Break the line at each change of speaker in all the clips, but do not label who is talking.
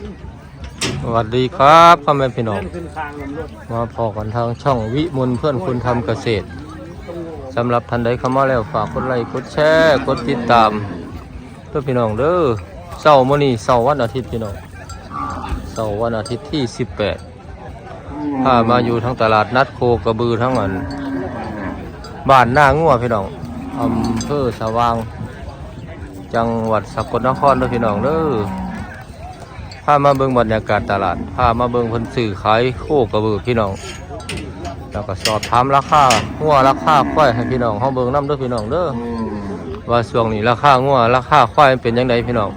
สวัสดีครับพ่อแม่พี่น้องมาพอกันทางช่องวิมลเพื่อนคุณทำเกษตรสำหรับท่านใดเข้ามาแล้วฝากกดไลค์กดแชร์กดติดตามเพื่อพี่น้องเด้อเสาร์มื้อนี้เสาร์วันอาทิตย์พี่น้องเสาร์วันอาทิตย์ที่18พามาอยู่ทั้งตลาดนัดโคกระบือทั้งอันบ้านหน้างัวพี่น้องอำเภอสว่างจังหวัดสกลนครเด้อพี่น้องเด้อพามาเบิ่งบรรยากาศตลาดพามาเบิ่งเพิ่นซื้อขายโคกระบือพี่น้องแล้วก็สอบถามราคางัวราคาควายให้พี่น้องเฮาเบิ่งนำเด้อพี่น้องเด้อว่าช่วงนี้ราคางัวราคาควายเป็นจังไดพี่น้อง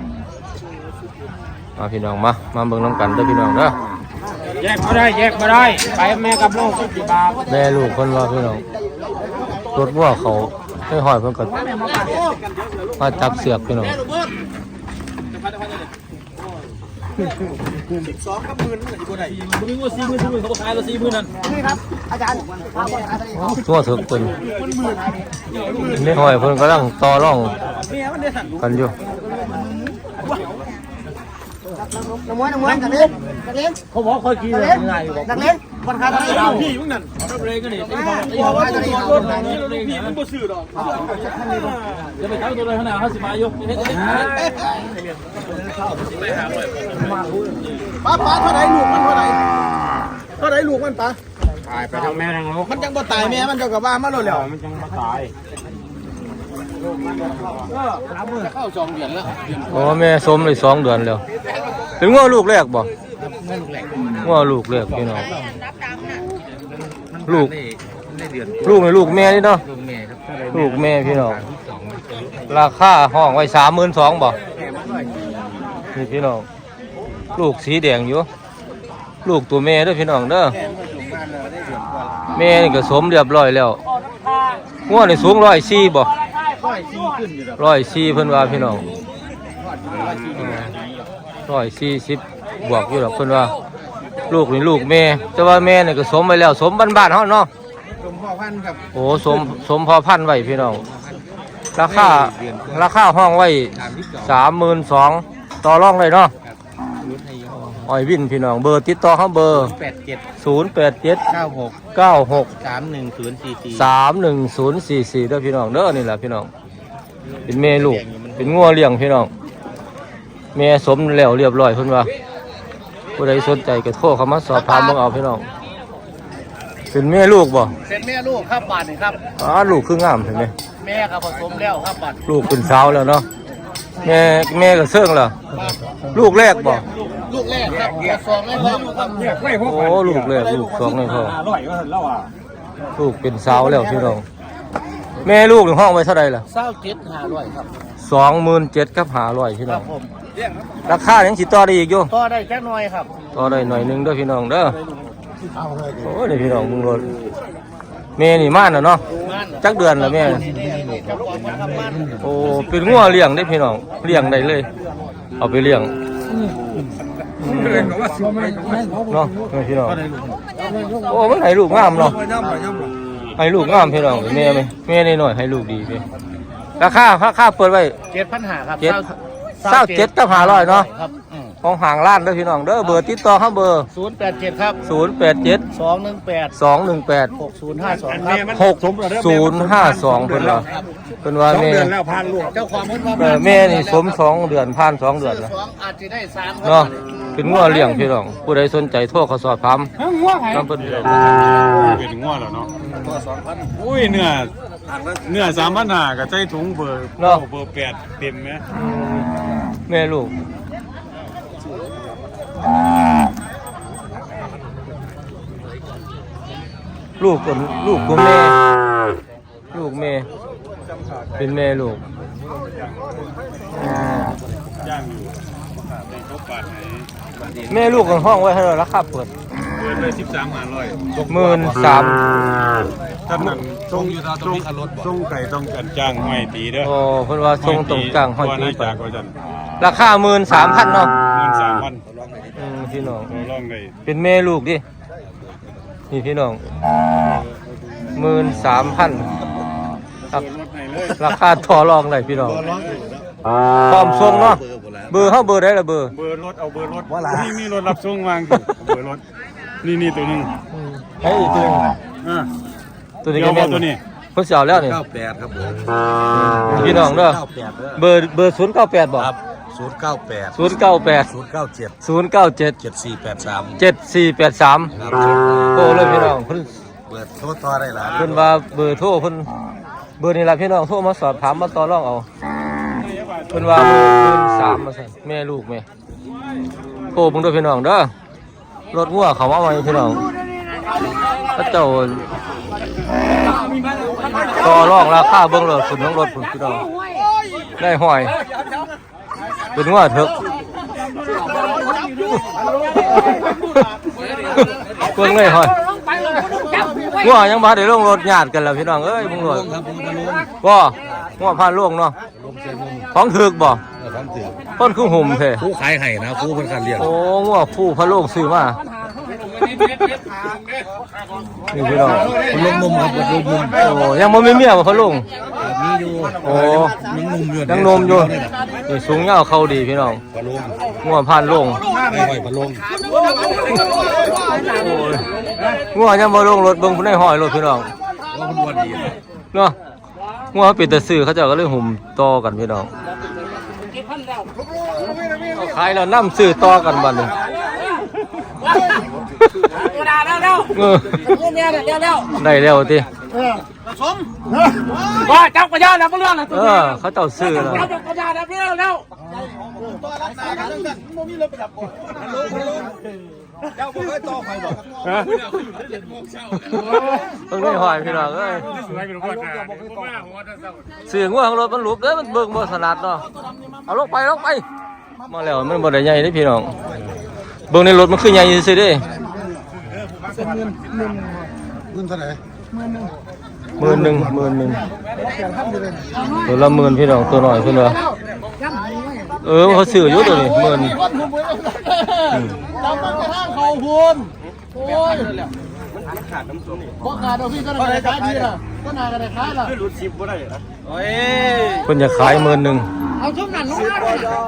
มาพี่น้องมาเบิ่งนำกันเด้อพี่น้องเด้อ
แยกมาได้ไปแม่กับลูก10 บาท
แม่ลูกเพิ่นว่าพี่น้องรถงัวเขาให้หอยเพิ่นก็มาจับเสือกพี่น้อง
12กับ10,000มันสิบ่ได้มึงว่า40,000เขาบ่ขายแล้ว40,000นั่นนี่ครับอาจารย์
งัวถึกเพิ่นในหอยเพิ่นกำลังต่อรองกันอยู่
น้ำมันกันเล่น
เขาบอกค่อยกินง่ายอยู่บอก
นักเล่นคนขายตลาด
พี่มึงนั่นรับเลยก็นี่ตีบอกว่าตัวรถนี้รถพี่มันบ่ซื้อดอกจะไปขายตัวเลยขนาด50 บาทอยู่
ป้าเท่าไหร่ลูกมันเท่าไหร่ลูกมันป้า
ตายไปทั้งแม่ทั้งลูก
มันจังบ่ตายแม่มันเจ้ากับว่ามันโลดแล้ว
มันจังบ่ตายเข้า2 เดือนแล้ว
อ๋อแม่สมเลย2 เดือนแล้วเป็นงัวลูกแรกบ่งัวลูกแรกพี่น้องลูกในลูกแม่นี่เนาะลูกแม่พี่น้องราคาห้องไว้32,000บ่นี่พี่น้องลูกสีแดงอยู่ลูกตัวแม่เด้อพี่น้องเด้อแม่นี่ก็สมเรียบร้อยแล้วงัวนี่สูง104บ่104เพิ่นว่าพี่น้อง140บวกอยู่ดอกเพิ่นว่าลูกนี่ลูกแม่แต่ว่าแม่นี่ก็สมไว้แล้วสมบ้านๆเฮาเนาะ
สมพ่อพันธุ์ครับ
โอ้สมพอพันธุ์ไว้พี่น้องราคาห้องไว้32,000ต่อรองได้เนาะอ้อยวินพี่น้องเบอร์ติดต่อเฮาเบอร์087 96 310044เด้อพี่น้องเด้อนี่แหละพี่น้องเป็นแม่ลูกเป็นงัวเลี้ยงพี่น้องแม่สมแล้วเรียบร้อยเพิ่นว่าผู้ใดสนใจก็โทรเข้ามาสอบถามเบิ่งเอาพี่น้องเป็นแม่ลูกบ่
เป็นแม่ลูกครับบาทนี่ครับ
ลูกคืองามเห็นมั้ย
แม่ก็ผสมแล้วครับบาท
ลูกเป็นสาวแล้วเนาะแม่ก็เชิงแล้วลูกแรกบ่
ลูกแรกครับ2ให้พ่อครับ
โอ้ลูกแรกลูก2ให้พ่อลูกเป็นสาวแล้วพี่น้องแม่ลูกในห้องไว้เท่าใดล่ะ
27,500ครับ
27,000กับ500พี่น้องราคายังสิต่อได้อีกอยู่
ต่อได้แค่น้อยครับ
ต่อได้หน่อยนึงเด้อพี่น้องเด้อโอ้นี่พี่น้องมึงรถแม่นี่ม่านน่ะเนาะจักเดือนแล้วแม่โอ้เป็นงัวเลี้ยงได้พี่น้องเลี้ยงได้เลยเอาไปเลี้ยงเนาะพี่น้องโอ้มันให้ลูกงามเนาะให้ลูกงามพี่น้องแม่นี่หน่อยให้ลูกดีพี่ราคาเปิดไว้
7,500 ครับ
27กับ500เนาะของห่างล้านเด้อพี่น้องเด้อเบอร์ติดต่อเฮาเบอร์
087ครับ
087 218
6052ครับ
6052เพิ่นว่าแม่
เจ้าของเพิ่น
ว่าแม่นี่สม2 เดือนผ่าน2 เดือนแล้ว
อาจสิได้3
เนาะเป็นงัวเลี้ยงพี่น้องผู้ใดสนใจโทรเข้าสอบถามนำเพิ่น
เป็นงัวแล้วเนาะอุ้ยเนื้อ3,500ก็ใส่ถุงเบอร์8เต็มมั้ย
แม่ลูกตัวแม่ลูกแม่เป็นแม่ลูก
ย่างอยู่ในเขาปาดไหน
แม่ลูกของห้องไว้ให้ราคาเปิด
เลย13,500
13,000
ถ้านั่นทรงอยู่ตาตรงรถบ่ทรงไก่ต้องกันจ้างห้อยตีเด้อ
โอ้เพิ่นว่าทรงตรงกลางห้อยตี
จากว่าซั่น
ราคา 13,000 เนาะ
13,000
พี่น้อง
ลองได้
เป็นแม่ลูกดินี่พี่น้อง 13,000ราคาต่อรองได้พี่น้องพร้อมส่งเนาะเบอร์เฮาเบอร์ได้ละเบอร์
เบอร์รถเอาเบอร์รถนี่มีรถรับส่งวางอยู่เบอร์รถนี่ตัวนึง
ให้อีกตัวนึง ตัวนี้ก็แม่นตัวนี้เพิ่นสิเอาแล้วนี่
98ครับผม
พี่น้องเด้อเบอร์098บ่
ครับ098
097
097
7483
7483ครับ
โตเลยพี่น้องเพิ่น
เปิดโทรต่อได้ล่ะ
เพิ่นว่าเบอร์โทรเพิ่นเบอร์นี่ล่ะพี่น้องโทรมาสอบถามมาต่อรองเอาเพิ่นว่า13,000ว่าซั่นแม่ลูกแม่โทรเบิ่งด้วยพี่น้องเด้อรถงัวเขามาใหม่พี่น้องพระเจ้าต่อรองราคาเบิ่งเลยสุดของรถพุ่นพี่น้องได้ห้อยเป็นงัวเถอะเบิ่งเลยห้อยงัวยังบ่ได้ลงรถญาติกันแล้วพี่น้องเอ้ยมึงรถบ่งัวพาล่วงเนาะของถึกบ่ต้นคือหุ่มแท้
ผู้ขายให้นะผู้เพิ่นคันเลี้ยง
โอ้งัวผู้พะโล่งซื้อมานี่พี่น้อง
ลงนมครับลงนม
โอ้ยังบ่มีเมียบ่พะโล่ง
มีอยู่
โอ้
ยังนมอยู่
นี่สูงยาวเข้าดีพี่น้อง
ปลาลง
งัวผ่านโล่ง
ไม่ค่อยปลาลง
โอ้ยงัวยังบ่ลงรถเบิ่งผู้ใดห้อยรถพี่น้อง
ว่ามันวันดี
เนาะงัวปิดแต่ซื้อเขาเจ้าก็เลยหุ่มต่อกันพี่น้องเอาขายแล้วนำซื้อต่อกันบัดนี้
กระดาษแล้ว
เออ
เนี่ยเร็ว
ได้แล้วติ
ว่าจับกระดาษแล้วก็เรื่องนะ
เออเขาเจ้าซื้อแล้ว
จับกระดาษแล้วพี่เร็ว
เพิ่งได้หอยพี่น้องเอ้ยเสียงงัวของรถมันหลุบเด้อมันเบิ่งบ่ถนัดเนาะเอาลงไปมาแล้วมันบ่ได้ใหญ่เด้พี่น้องเบิ่งในรถมันคือใหญ่ซื่อๆเด้
เงินเท่าไหร่
11,000ตัวละ10,000พี่น้องตัวน้อยเพิ่นว่าเขาซื้ออยู่ตัวนี้10,000
จำมันกระทั่งเขาพูนโอ้ยบ่ขาดเอาพี่ก็ได้ขายดีล่ะก็น่าก็ได้ขายล่ะ
เพิ่นจะขาย10,000
เอาช่วงนั้นลงมา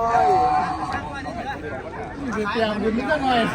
เตรียมบุญนิดหน่อย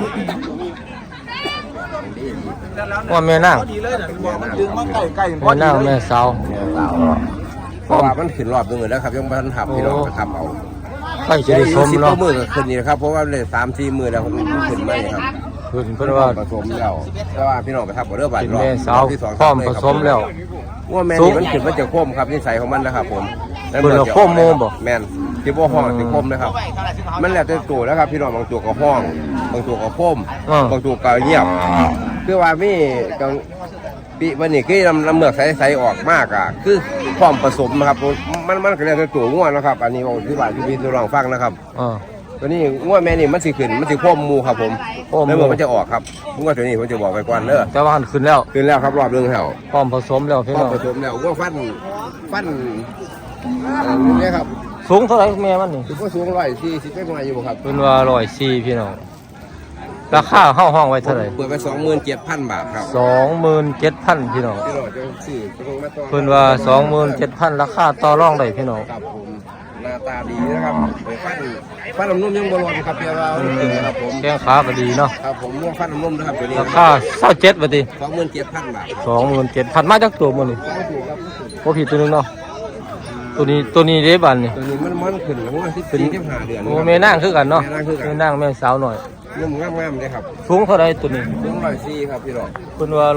ว่าแม่นาง
ดีเลยน่ะบอกมันดึงมาใกล้
แม่นางแม่สาว
เพราะว่ามันขึ้นรอบนึงแล้วครับยังมันทำพี่น้องก็ทำเอา
ใกล้จะได้สม
10
เนาะ
มือก็ขึ้นนี่นะครับเพราะว่าเลย3-4 มือแล้วมันขึ้นไม่ครับ
เพิ่นว่า
ผสมแล้วแต่ว่าพี่น้องไปทำเอาเรื่องบัต
เป็น
รรอบ
แม่สาว
ที่
พร้อมผสมแล้ว
ว่าแม่นี่มันขึ้นมาจากโคมครับนิสัยของมันนะครับผม
เพิ่นเอาโคมโมบ่
แม่นที่บ่ห้องที่โคมนะครับมันแล้วแต่ตัวแล้วครับพี่น้องบางตัวก็ห้องบางตัวก็โคมบางตัวก็เงียบคือว่ามีกังปีวันนี้คือลำเมือกใสๆออกมากอ่ะคือพร้อมผสมนะครับมันก็แล้วแต่ตัวง่วนะครับอันนี้ผมอธิบายที่พี่ลองฟังนะครับ ตัวนี้ง่วแม่นี่มันสิขึ้นมันสิโคมมูครับผม
โคมมู
แล้วเมื่อมันจะออกครับง่วตัวนี้ผมจะบอกไปก่อนเด้อ
แต่ว่าหันขึ้นแล้ว
ขึ้นแล้วครับรอบนึงแล้ว
พร้อมผสมแล้วพี่
พอ
น้อง
ผสมแล้วง่วฟันนี่ครับ
สูงเท่าไหร่แม่มันนี่
คือว่าสูง140ไม่มาอยู่บ่ครับ
เพิ่นว่า104พี่น้องราคาเฮาห้องไว้เท่าไหร่
เปิดไป27,000 บาทครับ
27,000พี่น้อง
พี่น้องจะซื้อตรงมาต่อ
เพิ่นว่า27,000ราคาต่อรองได้พี่น้อง
ครับผมหน้าตาดีนะครับฟันน้ำนุ่มยังบ่ร้อนครับเดี๋ยวเราครับผม
แข้งขาก็ดีเนาะ
ครับผมง่วฟันน้ำนุ่มนะครับตัวนี้
ราคา27บาทติ
27,000 บาท
27,000มาจากตัวมื้อนี่บ่ผิดตัวนึงเนาะตัวนี้เด้บัดนี่
ตัวนี้มันขึ้นแล้วว่า14-15 เดือน
โอ้แม่นางคือกันเนาะ
แม่นางคือกัน
แม่นางแม่สาวหน่อย
นุ่มงามๆเลยครับ
สูงเท่าไหร่ตัวนี้
สูง104ครับพี่น้อง
เพิ่นว่า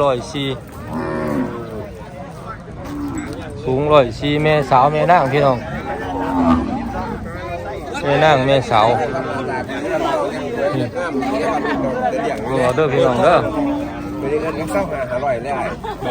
104สูง104แม่สาวแม่นางพี่น้องแม่นางแม่สาวนี่เอาเด้อพี่น้องเด้อ
ตัวนี้เงินเข้าหา500แล้ว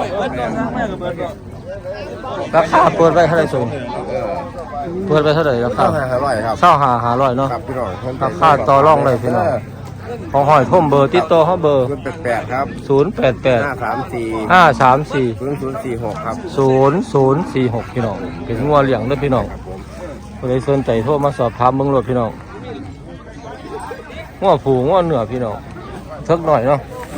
ราคาเปิดไว้เท่าไหร่สูงเปิดไว้เท่าไหร่ราคา
เข้าหา500ครับ
25,500เนาะ
ครับพี่น้อง
ราคาต่อรองได้พี่น้องของหอยท่มเบอร์ติดต่อเขาเบอร์
88ครับ
088
534
534
0046ครับ
0046พี่น้องเป็นงัวเลี้ยงเด้อพี่น้องผู้ใดสนใจโทรมาสอบถามเบิ่งรถพี่น้องงัวผูงัวเหนือพี่น้องสักหน่อยเนาะ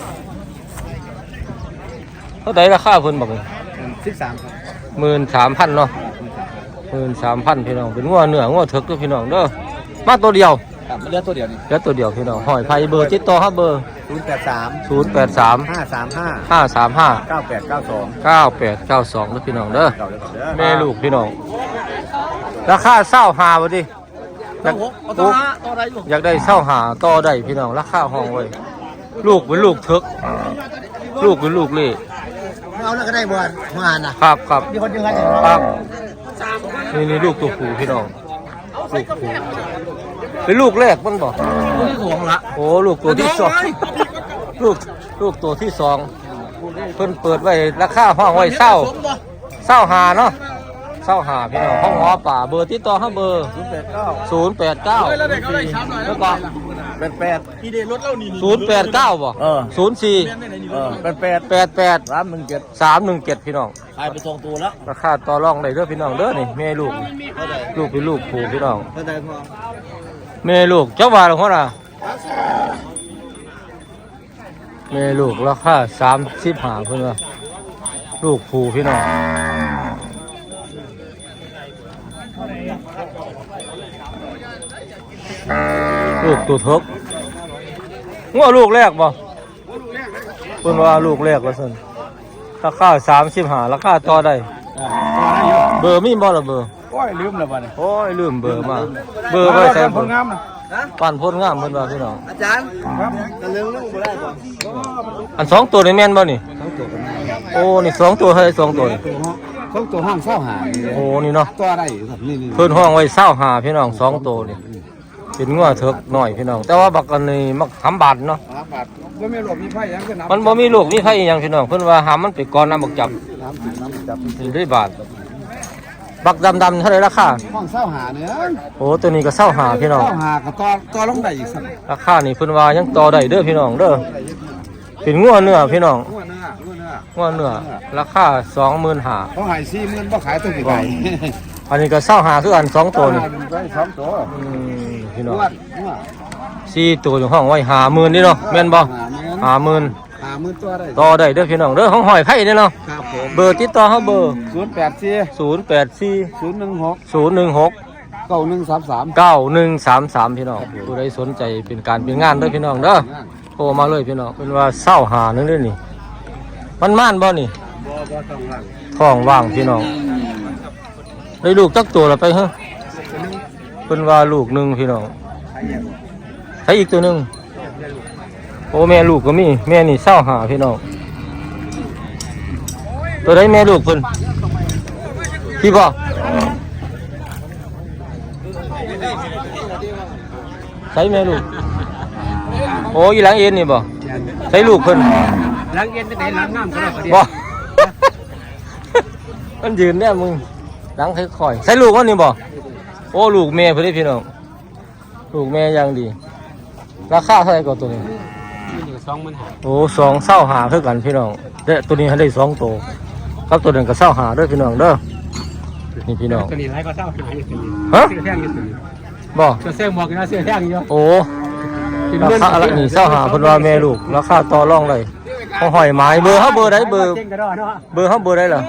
เท่าไหร่ราคาเพิ่นบอกเลย
13ครับ
13,000เนาะ13,000พี่น้องเป็นงัวเหนืองัวเถิกเด้อพี่น้องเด้อมาตัวเดียว
ครับมันเลือตัวเดียวนี่
แล้วตัวเดียวพี่น้องหอยไผ่เบอร์ติดต่อครับเบอร์
083
083
535
535
9892
9892เด้อพี่น้องเด้อ
เก่าเลยก่อนเด้อ
แม่ลูกพี่น้องราคาเศร้าหาบ่ดิอยาก
ตัวอะไรอยู่
อยากได้เศร้าหาต่อได้พี่น้องราคาห้องไว้ลูกเป็นลูกเถกลูกเป็นลูกเล่
เอาแล้วก็ได้บ่มานะครับ
ครับ
มีคนยังไง
ครับนี่ลูกตัวผู้พี่น้องลูกผู้เป็นลูกแรกมันบ่
ที่ของละ
โอ้ลูกตัวที่สองลูกตัวที่สองเพิ่นเปิดไว้ราคาห้องไว้เศร้าหาเนาะเศร้าหาพี่น้องห้องหอป่าเบอร์ติดต่อห้าเบอร์089แล้วก็
88ที่ได้รถเล่านี่
089บ่04
88
88 317พี่น้อง
ขายไปส่งตัวแล้ว
ราคาต่อรองได้เด้อพี่น้องเด้อนี่แม่ลูกลูกเป็นลูกผู้พี่น้อง
เท่าใดพอ
แม่ลูกเจ้าว่าหรือเปล่าแม่ลูกราคา35เพิ่นว่าลูกผู้พี่น้องลูกตัวทกงัวลูกแรกบ่เพิ่นว่าลูกแรกว่าซั่นราคา35ราคาต่อได้เบอร์มีบ่ล่ะเบอร์
โอ้ยลืมแล้วบ่เนี่ย
โอ้ยลืมเบอร์มาเบอร์ไว้ใส่
ค
เบอน ร์
งามนะ
ปั่นพ่นงามเพิ่นว่าพี่น้อง
อาจารย์ครับจะลืมเรื่องบ่ได้บ่
อันสองตัวนี่แม่นบ่นี่โอ้นี่สองตัวเฮ้ยสองตัวนี่
ของตัวห้างเศร้าหา
โอ้นี่เนาะ
ตัวอะไรครับนี่
เพิ่นห้องไว้25พี่น้องสองตัวนี่เป็นงัวเถิกน้อยพี่น้องแต่ว่าบักอันนี้มักหำบาดเนาะ
บาทบ่มีหลบมีไฟยังก็นับ
มันบ่มีลูกมีไผอีหยังพี่น้องเพิ่นว่าหามันไปก่อนน้ำบักจับ
น้ำจับ
สิได้บาทบักดำๆเท่าไหร่ราคา
ห้องเศร้าหาเนี่ย
โอ้ตัวนี้ก็25พี่น้อง
เศร้าหาก็ต่อลงได้อีกสัก
ราคานี่เพิ่นว่ายังต่อได้เด้อพี่น้องเด้อเป็นงัวเนื้อพี่น้อง
งัวเนื้อ
งัวเนื้อราคา25,000
เขาหาย40,000บ่ขายตัวกี่ใบ
อันนี้ก็25คืออันสองตัวนี่
ได้2ตัว
พี่น้อง
งัว
4ตัวอยู่ห้องไว้50,000นี่เนาะแม่นบ่50,000
50,000ตัวได้
ต่อได้เด้อพี่น้องเด้อห้องหอยไผ่นี่เนาะ
ครับผม
เบอร์ติดต่อเฮาเบอร์
084
084
016
016
9133
9133พี่น้องผู้ใดสนใจเป็นการเป็นงานเด้อพี่น้องเด้อโทรมาเลยพี่น้องเป็นว่าเศร้าหานึงเด้อนี่มันม่านบ่นี่
บ่ต้องหลัง
ท้องว่างพี่น้องได้ลูกจักตัวละไปฮะเพิ่นว่าลูกหนึงพี่น้องใช้อีกตัวหนึงโอ้แม่ลูกก็มีแม่นี่เศร้าหาพี่น้องตัวใดแม่ลูกเพิ่นพี่บ่ใช้แม่ลูกโอ้ยหลังเอ็นนี่บ่ใช้ลูกเพิ่น
หลังเย็นจะได้หลังน้ำก็ได้
บ่ มันยืนเนี่ยมึงหลังค่อยๆใช้ลูกมันนี่บ่โอ้ลูกแม่เพิ่นเด้พี่น้องลูกแม่อย่างดีราคาเท่าไหร่ก็ตัวนี้โอ้2,000คือกันพี่น้องและตัวนี้ให้ได้2ตัวครับตัวนึงก็20,000เด้อพี่น้องเด้อนี่พี่น้อง
ตัวนี้ไรก็เศร้าหายอยู่ตัวนี้
ฮะ
เสื้อแท่งอยู่ตัวนี้
บ่
เสื้อหมวกนะเสื้อแท่งอยู่
โอ้ราคาอะไรนี่20,000เพิ่นว่าแม่ลูกราคาต่อรองได้เขาห้อยหมายเบอร์เฮาเบอร์ใดเบอร์
เจ๊งกระดอเนาะ
เบอร์เฮาเบอร์ใดล่ะ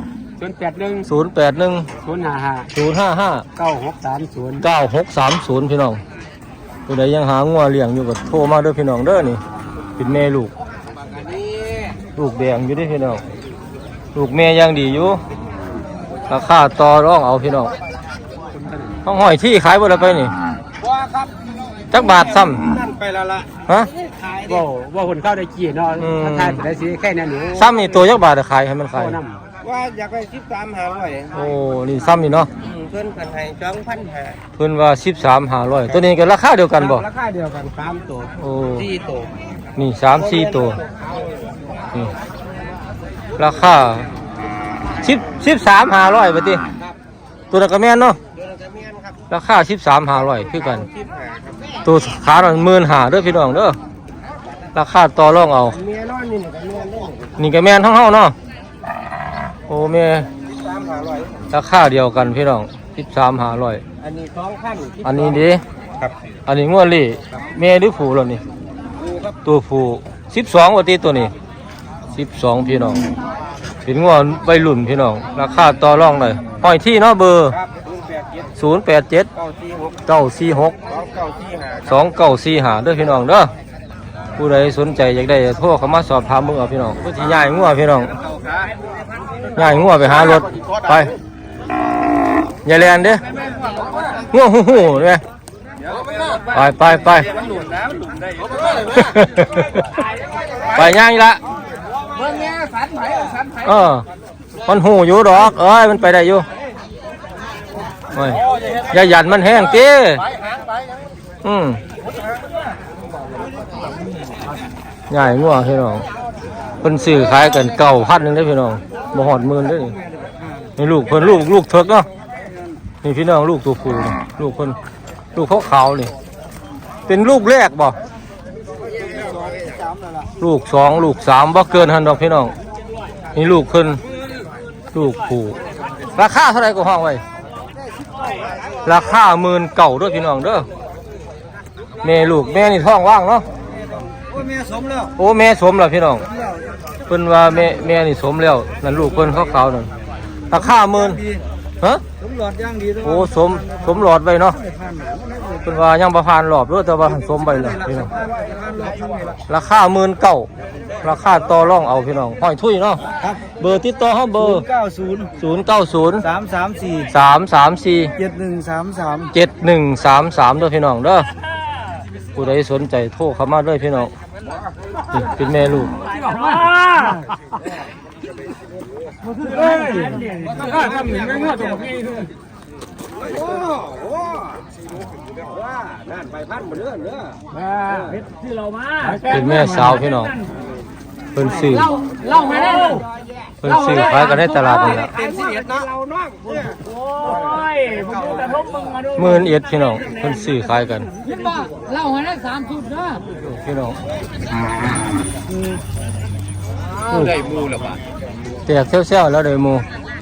081
081
055
055
9630
9630พี่น้องผู้ใดยังหางัวเลี้ยงอยู่ก็โทรมาเด้อพี่น้องเด้อนี่เป็นแม่ลูกลูกแดงอยู่เด้อพี่น้องลูกแม่ยังดีอยู่ราคาต่อรองเอาพี่น้องต้องห้อยที่ขายบ่ได้ไปนี่
ว่าครับ
จักบาทซ้ำ
นั่นไปแล้วล่ะ
ฮะ
ว่าคนเข้าได้กี่เนาะ
อืม
ถ้าทายไปได้สิแค่นั้นหนู
ซ้ำนี่ตัวจักบาทจะขายให้มันขาย
โอ้น้
ว่าอยากไป13,500
โอ้นี่ซ้ำนี่เนาะ
เพิ่นกันให้2,500
เพิ่นว่า13,500ตัวนี้ก็ราคาเดียวกันบ่
ราคาเดียวกัน3ตัว
โอ้
4ตัว
นี่3-4ตัวนี่ราคา13,500บาทติตัวนั้นก็แม่นเนาะ
เดือนละแม่นครับ
ราคา13,500คือกัน
15ครับ
ตัวขาหน่อย15,000เด้อพี่น้องเด้อราคาต่อรองเอา
เมียร้อนนี่ก็เมียเล่น
นี่ก็แม่นทั้งเฮาเนาะโอ้แม่
13,500
ราคาเดียวกันพี่น้อง13,500
อันนี้2,000
อันนี้ดิ
ครับ
อันนี้งัวเล่แม่หรือผู้แล้วนี่
ดูครับ
ตัวผู้12ว่าติตัวนี้12พี่น้องเป็นงัวใบรุ่นพี่น้องราคาต่อรองได้ห้อยที่เนาะเบอร์
ครับ
เด้อพี่น้องเด้อผู้ใดสนใจอยากได้โทรเข้ามาสอบถามมึงเอาพี่น้องผู้ที่ย้ายงัวพี่น้องย้ายงัวไปหารถไปอย่าแลนเด้องัวหูๆเด้ไปไปย่างอีละมันหูอยู่ดอกมันไปได้อยู่อย่าหยันมันแห้งเต้ใหญ่งัวพี่น้องเป็นสื่อขายกัน9,000นึงได้พี่น้องบ่หอดหมื่นได้นี่ลูกเพิ่นลูกเถิกเนาะนี่พี่น้องลูกตัวผู้ลูกเพิ่นลูกขาวๆนี่เป็นลูกแรกบ่ลูก2ลูก3บ่เกินหั่นดอกพี่น้องนี่ลูกเพิ่นลูกผู้ราคาเท่าไหร่ก็ห้องไว้ราคา19,000ด้วยพี่น้องเด้อแม่ลูกแม่นี่ท้องว่างเนาะแม่สมแล้วโอ้แม่สมแล้วพี่น้องเพิ่นว่าแม่นี่สมแล้วนั่นลูกเพิ่นขาวๆนั่นราคา10,000ฮะสมหลอดย่างดีโอ้สมหลอดไว้เนาะเพิ่นว่ายังบ่ผ่านรอบเด้อแต่ว่าสมไว้แล้วพี่น้องราคา19,000ราคาต่อรองเอาพี่น้องห้อยทุยเนาะเบอร์ติดต่อเฮาเบอร์090 334 7133เด้อพี่น้องเด้อผู้ใดสนใจโทรเข้ามาด้วยพี่น้องนี่เป็นแม่ลูกเป็นแม่สาวพี่น้องเพิ่นซื้อเพิ่นซื้อขายกันในตลาดนี่แหละ11,000พี่น้องเพิ่นซื้อขายกันเล่าให้ได้3 ชุดนะพี่น้องได้หมูแล้วป่ะแตกเซี่ยวๆแล้วได้หมู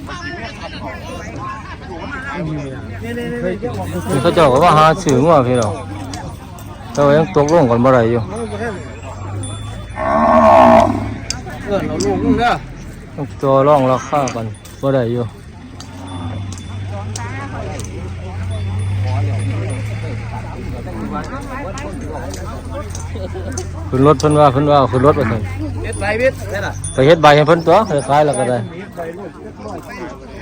นี่เขาเจ้าก็ว่าหาซื้องัวพี่น้องแต่ว่ายังตกลงกันบ่ได้อยู่เราลูกนึงเด้อตัวร่องราคากันบ่ได้อยู่ขึ้นรถเพิ่นว่าขึ้นรถไปเถอะเฮ็ดใบเฮ็ดไปเฮ็ดใบให้เพิ่นตัวคล้ายๆแล้วก็ได้